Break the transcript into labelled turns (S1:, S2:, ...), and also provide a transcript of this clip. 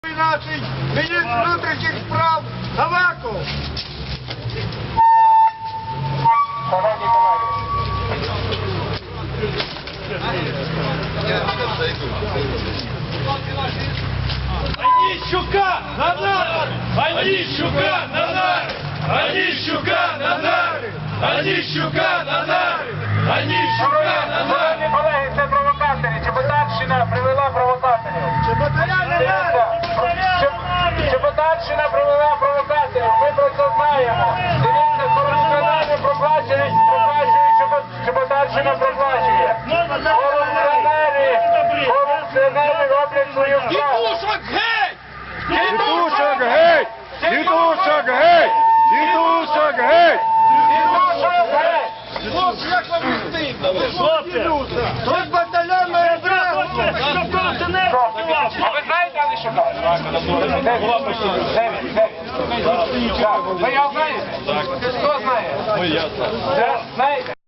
S1: Нашій міністр внутрішніх справ Аваков.
S2: Шановні колеги,
S3: Онищука на нары! Онищука на нары! Онищука на нары! Онищука на нары! Онищука на нары!
S2: шановні колеги, це провокаторі. Чеботарщина привела провокаторів. Чеботарщина привела провокаторів. Ми про це знаємо. Дивіться, корупціонери проплачують, Чеботарщина проплачує. Корупціонери роблять свою справу.
S3: Дідушок геть!
S1: Дідушок геть! Дідушок геть! Дідушок геть!
S2: Дідушок геть!
S1: Хлопці, як вам не стидно?
S3: Хлопці!
S1: Тут батальйон має право!
S2: А ви знаєте Онищука? Ви його знаєте? Хто знає?
S3: Ну, ясно.
S2: Знаєте?